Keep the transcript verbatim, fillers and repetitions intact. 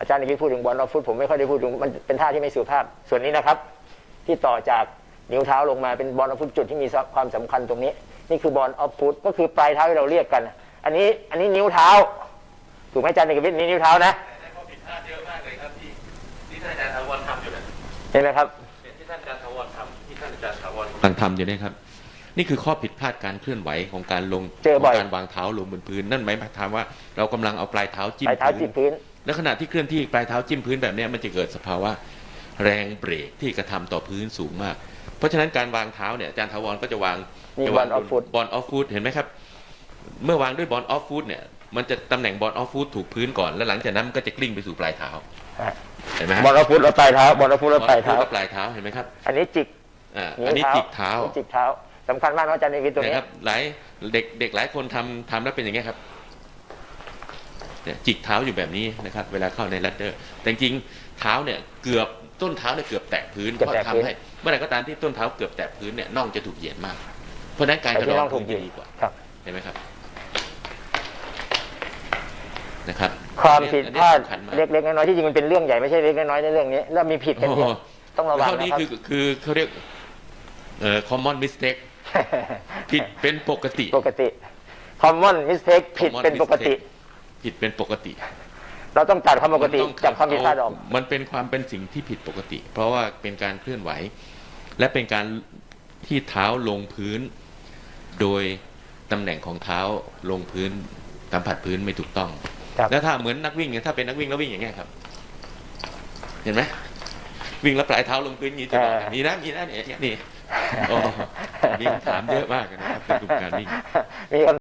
อาจารย์นี่พูดถึงบอลออฟฟุตผมไม่ค่อยได้พูดถึงมันเป็นท่าที่ไม่สุภาพส่วนนี้นะครับที่ต่อจากนิ้วเท้าลงมาเป็นบอลออฟฟุตจุดที่มีความสำคัญตรงนี้นี่คือบอลออฟฟุตก็คือปลายเท้าที่เราเรียกกันอันนี้อันนี้นิ้วเท้าถูกไหมอาจารย์เอกวิทย์นี่นิ้วเท้านะแต่ข้อผิดพลาดเยอะมากเลยครับที่ที่ท่านอาจารย์ถาวรทำอยู่นะเห็นไหมครับที่ท่านอาจารย์ถาวรทำที่ท่านอาจารย์ถาวรกำลังทำอยู่นี่ครับนี่คือข้อผิดพลาดการเคลื่อนไหวของการลงของการวางเท้าลงบนพื้นนั่นหมายความว่าเรากำลังเอาปลายเท้าจิ้มพื้นและขณะที่เคลื่อนที่ปลายเท้าจิ้มพื้นแบบนี้มันจะเกิดสภาวะแรงเบรกที่กระทำต่อพื้นสูงมากเพราะฉะนั้นการวางเท้าเนี่ยอาจารย์ถาวรก็จะวางจะวางบอลออฟฟุตบอลออฟฟุตเห็นไหมครับเมื่อวางด้วยบอลออฟฟุตเนี่ยมันจะตำแหน่งบอลออฟฟุตถูกพื้นก่อนแล้วหลังจากนั้นมันก็จะกลิ้งไปสู่ปลายเท้าเห็นไหมบอลออฟฟุตแล้วปลายเท้าบอลออฟฟุตแล้วปลายเท้าปลายเท้าเห็นไหมครับอันนี้จิกอ่าอันนี้จิกเท้าจิกเท้าสำคัญมากนะอาจารย์ในวิทย์ตรงนี้ครับหลายเด็กเด็กหลายคนทำทำแล้วเป็นอย่างเงี้ยครับเนี่ยจิกเท้าอยู่แบบนี้นะครับเวลาเข้าในลัดเดอร์แต่จริงเท้าเนี่ยเกือบต้นเท้าเนี่ยเกือบแตะพื้นเพราะทำให้เมื่อไหร่ก็ตามที่ต้นเท้าเกือบแตะพื้นเนี่ยน่องจะถูกเหยียดมากเพราะฉะนั้นการกระโดดถูกเหยียดดีกว่าเห็นไหมครับนะครับความผิดพลาดเล็กๆน้อยๆที่จริงมันเป็นเรื่องใหญ่ไม่ใช่เล็กน้อยในเรื่องนี้แล้วมีผิดกันเยอะต้องระวังนะครับข้อนี้คือคือเขาเรียกเอ่อ common mistake ผิดเป็นปกติปกติ common mistake ผิดเป็นปกติผิดเป็นปกติเราต้องตัดความปกติจากความผิดพลาดออกมันเป็นความเป็นสิ่งที่ผิดปกติ เพราะว่าเป็นการเคลื่อนไหวและเป็นการที่เท้าลงพื้นโดยตำแหน่งของเท้าลงพื้นสัมผัสพื้นไม่ถูกต้องแล้วถ้าเหมือนนักวิ่งถ้าเป็นนักวิ่งแล้ววิ่งอย่างเงี้ยครับเห็นไหมวิ่งแล้วปลายเท้าลงพื้นอย่างนี้จะมีนะมีนะเนี่ยนี่โอ้มีคำถามเยอะมากนะครับเป็นกลุ่มการวิ่ง